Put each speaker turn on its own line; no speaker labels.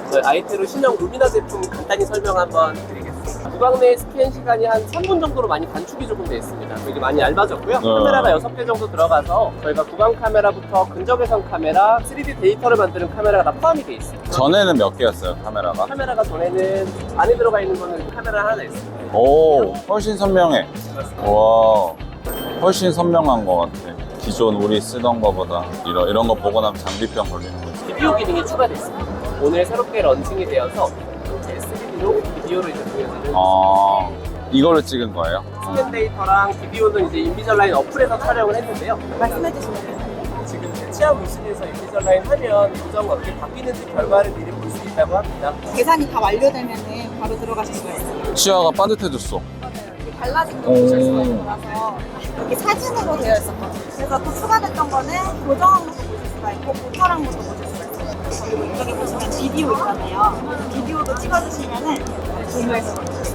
저희 아이테로 신형 루미나 제품 간단히 설명 한번 드리겠습니다. 구강 내 스캔 시간이 한 3분 정도로 많이 단축이 조금 되어 있습니다. 되게 많이 얇아졌고요. 카메라가 6개 정도 들어가서 저희가 구강 카메라부터 근적외선 카메라, 3D 데이터를 만드는 카메라가 다 포함이 되어 있어요.
전에는 몇 개였어요, 카메라가?
카메라가 전에는 안에 들어가 있는 거는 카메라 하나 있습니다.
오, 훨씬 선명해. 와, 훨씬 선명한 것 같아. 기존 우리 쓰던 거보다. 이런 거 보고 나면 장비병 걸리는 거지.
비디오 기능이 추가됐습니다. 오늘 새롭게 런칭이 되어서 제 3D로 비디오를 이제 보여드리는
아, 이걸로 찍은 거예요?
스캔 데이터랑 비디오는 이제 인비절라인 어플에서 촬영을 했는데요.
말씀해 주시면 돼요.
지금 제 치아 모습에서 인비절라인 하면 요정이 어떻게 바뀌는지 결과를 미리 볼 수 있다고 합니다.
계산이 다 완료되면 바로 들어가실 수가 있어요.
치아가 빠듯해졌어.
이게 달라진 거 보실 수가 있어서 이게 사진으로 되어 있었거든요. 그래서 또 추가됐던 거는 고정한 것도 보실 수가 있고 고철한 것도 보실 수가 있어요. 그리고 이쪽에 보시면 비디오 있잖아요. 비디오도 찍어주시면은 공유해서